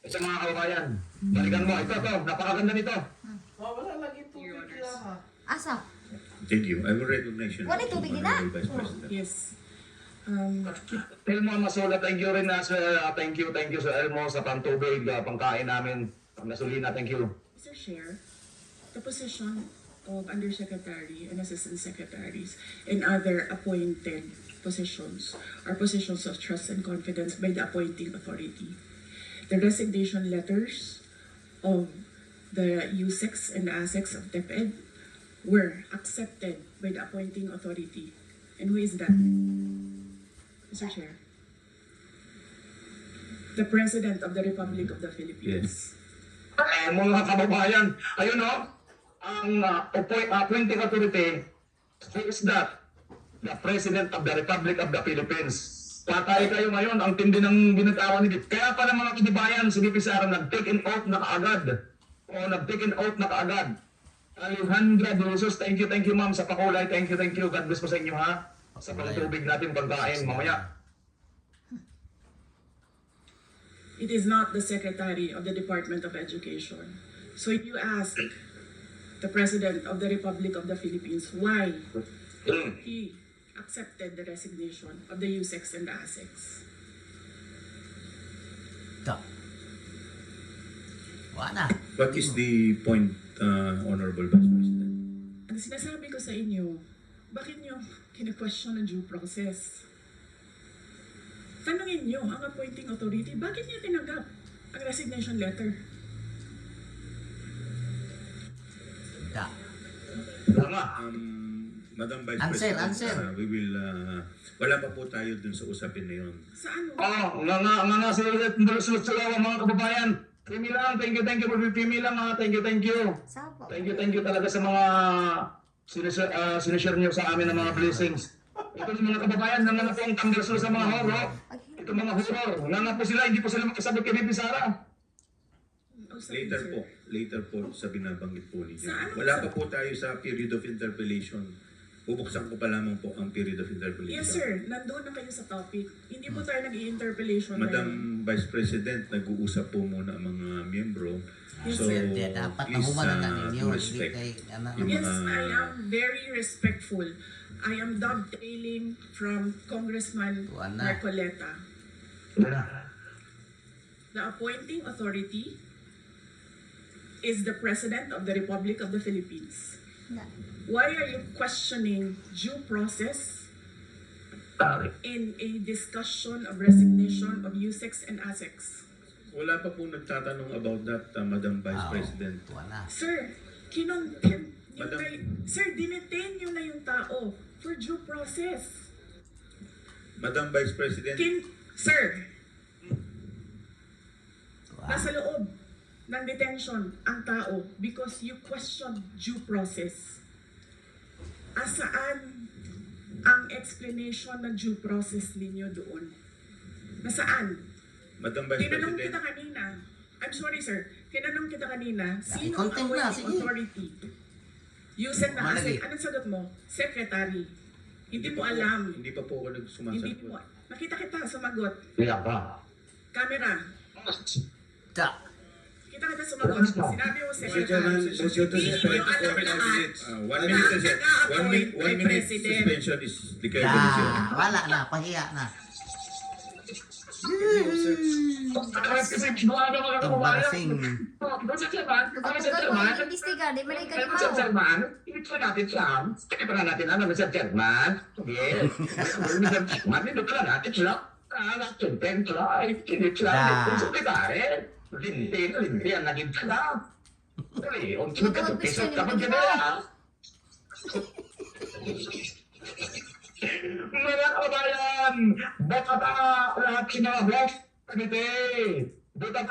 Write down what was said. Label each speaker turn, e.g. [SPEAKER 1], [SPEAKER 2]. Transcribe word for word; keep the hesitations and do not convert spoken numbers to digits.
[SPEAKER 1] Sa mga kababayan, balikan mo. Ito, ito. Napakaganda nito.
[SPEAKER 2] Oh, wala lagi tubig lang ha.
[SPEAKER 3] Asa?
[SPEAKER 4] Thank you. I will recognize you.
[SPEAKER 3] Wala tubig din, ah.
[SPEAKER 4] Honorable Vice President.
[SPEAKER 2] Yes. Um,
[SPEAKER 1] Elmo Masula, thank you rin na sa thank you, thank you sa Elmo sa pantubig, uh, pangkain namin, pang gasolina, thank you.
[SPEAKER 5] Mister Chair, the position of Undersecretary and Assistant Secretaries and other appointed positions are positions of trust and confidence by the appointing authority. The resignation letters of the U S E C and the A S E C of DepEd were accepted by the appointing authority. And who is that? Mister Chair. The President of the Republic of the Philippines.
[SPEAKER 1] Eh, mga kababayan, ayun o, ang uh, appoint, appointing authority, who is that? The President of the Republic of the Philippines. Patay kayo ngayon, ang tindi ng binatawan ni Dip. Kaya pala mga kinibayan, si D P Sara nag-take in oath na kaagad. O nag-take in oath na kaagad. Alejandra de Jesus, thank you, thank you ma'am sa pakulay, thank you, thank you. God bless po sa inyo ha. Sa pagtubig natin, pagkain, mamaya.
[SPEAKER 5] It is not the Secretary of the Department of Education. So if you ask the President of the Republic of the Philippines why he accepted the resignation of the U S E C and the A S E C.
[SPEAKER 6] Ito. Wala.
[SPEAKER 4] What is the point, uh, Honorable Vice President?
[SPEAKER 5] Ang sinasabi ko sa inyo, bakit nyo kine-question ang due process? Tanungin nyo ang appointing authority, bakit niya tinanggap ang resignation letter?
[SPEAKER 6] Ito.
[SPEAKER 1] Tama.
[SPEAKER 4] Um, Madam Vice
[SPEAKER 6] Answer,
[SPEAKER 4] President,
[SPEAKER 6] answer.
[SPEAKER 4] uh, we will, uh, wala pa po tayo dun sa usapin na yun.
[SPEAKER 5] Sa ano?
[SPEAKER 1] Oh, nga nga nga nga sulit, sulit sa mga kababayan. Pimi lang, thank you, thank you for Pimi lang ha, thank you, thank you.
[SPEAKER 3] Sabo.
[SPEAKER 1] Thank you, thank you talaga sa mga sinishare, uh, sinishare nyo sa amin ng mga blessings. Ito ng mga kababayan, nga nga po ang tamberso sa mga horror. Ito mga horror, nga nga po sila, hindi po sila makasabot kay Bibi Sara.
[SPEAKER 5] Oh, sorry,
[SPEAKER 4] Later
[SPEAKER 5] sir.
[SPEAKER 4] po, later po sa binabanggit po ninyo.
[SPEAKER 5] Sa ano-
[SPEAKER 4] Wala pa po tayo sa period of interpellation. Bubuksan ko pa lamang po ang period of interpellation.
[SPEAKER 5] Yes sir, nandoon na kayo sa topic. Hindi po tayo nag-i-interpellation ngayon.
[SPEAKER 4] Madam Vice President, nag-uusap po muna ang mga miyembro.
[SPEAKER 5] Yes,
[SPEAKER 4] So,
[SPEAKER 5] sir.
[SPEAKER 6] Kaya dapat
[SPEAKER 4] please
[SPEAKER 6] nahumanan na
[SPEAKER 4] uh,
[SPEAKER 6] ninyo. Hindi
[SPEAKER 4] respect.
[SPEAKER 6] kay, ano,
[SPEAKER 4] Yung
[SPEAKER 5] Yes,
[SPEAKER 4] mga-
[SPEAKER 5] I am very respectful. I am dovetailing from Congressman
[SPEAKER 6] Tuwan na.
[SPEAKER 5] Marcoleta. The appointing authority is the President of the Republic of the Philippines.
[SPEAKER 3] Na.
[SPEAKER 5] Why are you questioning due process in a discussion of resignation of U S E C and A S E C?
[SPEAKER 4] Wala pa po nagtatanong about that, uh, Madam Vice
[SPEAKER 6] Ah,
[SPEAKER 4] President.
[SPEAKER 6] Wala.
[SPEAKER 5] Sir, kinontempt nyo
[SPEAKER 4] Madam-
[SPEAKER 5] na, sir, dinetain nyo na yung tao for due process.
[SPEAKER 4] Madam Vice President,
[SPEAKER 5] Kin, sir,
[SPEAKER 6] Wala.
[SPEAKER 5] nasa loob ng detention ang tao because you question due process. Asaan ang explanation ng due process ninyo doon? Nasaan?
[SPEAKER 4] Madam Vice
[SPEAKER 5] Tinanong
[SPEAKER 4] President,
[SPEAKER 5] kita kanina. I'm sorry sir. Tinanong kita kanina. Sino ang
[SPEAKER 6] i-content na,
[SPEAKER 5] appointing
[SPEAKER 6] sige.
[SPEAKER 5] authority? You said na
[SPEAKER 6] Malaki.
[SPEAKER 5] kasi. Anong sagot mo? Secretary. Hindi mo alam.
[SPEAKER 4] Hindi pa po ako
[SPEAKER 5] Hindi
[SPEAKER 4] nagsumasagot.
[SPEAKER 5] mo. Nakita kita sumagot.
[SPEAKER 1] Kaya ka.
[SPEAKER 5] Camera.
[SPEAKER 6] Ito.
[SPEAKER 5] Kita kita sumagot. Sinabi mo secretary. Hindi nyo alam lahat.
[SPEAKER 4] Uh, one minute, suspension. one minute, one minute suspension is declared by the chair.
[SPEAKER 6] Ah, wala na. Pahiya na.
[SPEAKER 1] Kasi mga mga kababayan.
[SPEAKER 6] Embarrassing.
[SPEAKER 1] Doon sa Chairman, kami sa
[SPEAKER 3] Kapag
[SPEAKER 1] Chairman.
[SPEAKER 3] mo imbestigar, di man
[SPEAKER 1] Kaya
[SPEAKER 3] ka
[SPEAKER 1] Mister Chairman, ito na natin siya. Ito na natin ano, Mister Chairman. Yes. Mister Chairman, ito na natin siya. Ah, natunten siya. Ay, kinit siya.
[SPEAKER 6] Ah.
[SPEAKER 1] Kung sa pagkain, linti, linti ang naging siya. Ay, ang sunod ka, pisot ka pa dyan na. Mga kababayan, baka ba lahat sinabot? Kanite, buta